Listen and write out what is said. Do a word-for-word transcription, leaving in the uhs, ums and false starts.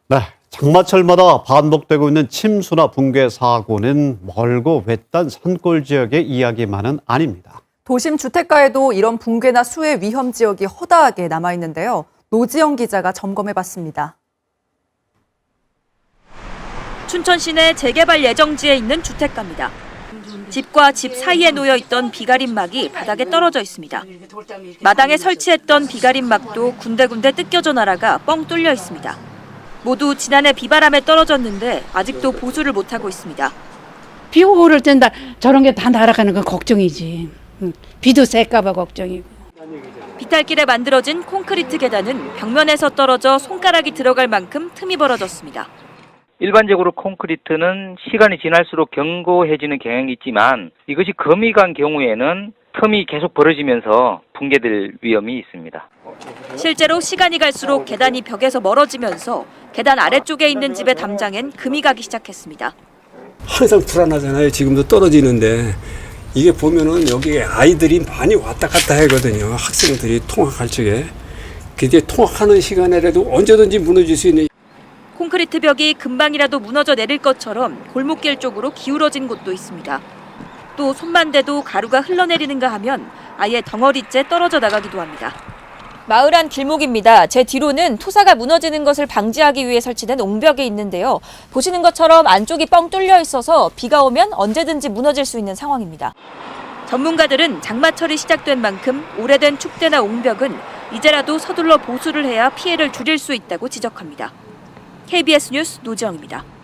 네, 장마철마다 반복되고 있는 침수나 붕괴 사고는 멀고 외딴 산골 지역의 이야기만은 아닙니다. 도심 주택가에도 이런 붕괴나 수해 위험 지역이 허다하게 남아있는데요. 노지영 기자가 점검해봤습니다. 춘천 시내 재개발 예정지에 있는 주택가입니다. 집과 집 사이에 놓여있던 비가림막이 바닥에 떨어져 있습니다. 마당에 설치했던 비가림막도 군데군데 뜯겨져 날아가 뻥 뚫려 있습니다. 모두 지난해 비바람에 떨어졌는데 아직도 보수를 못하고 있습니다. 비 오고 그럴 땐 다 저런 게 다 날아가는 건 걱정이지. 응. 비도 셀까 봐 걱정이고. 비탈길에 만들어진 콘크리트 계단은 벽면에서 떨어져 손가락이 들어갈 만큼 틈이 벌어졌습니다. 일반적으로 콘크리트는 시간이 지날수록 견고해지는 경향이 있지만 이것이 금이 간 경우에는 틈이 계속 벌어지면서 붕괴될 위험이 있습니다. 실제로 시간이 갈수록 계단이 벽에서 멀어지면서 계단 아래쪽에 있는 집의 담장엔 금이 가기 시작했습니다. 항상 불안하잖아요. 지금도 떨어지는데 이게 보면은 여기에 아이들이 많이 왔다 갔다 하거든요. 학생들이 통학할 적에. 그게 통학하는 시간에라도 언제든지 무너질 수 있는. 콘크리트 벽이 금방이라도 무너져 내릴 것처럼 골목길 쪽으로 기울어진 곳도 있습니다. 또 손만 대도 가루가 흘러내리는가 하면 아예 덩어리째 떨어져 나가기도 합니다. 마을 안 길목입니다. 제 뒤로는 토사가 무너지는 것을 방지하기 위해 설치된 옹벽이 있는데요. 보시는 것처럼 안쪽이 뻥 뚫려 있어서 비가 오면 언제든지 무너질 수 있는 상황입니다. 전문가들은 장마철이 시작된 만큼 오래된 축대나 옹벽은 이제라도 서둘러 보수를 해야 피해를 줄일 수 있다고 지적합니다. 케이비에스 뉴스 노지영입니다.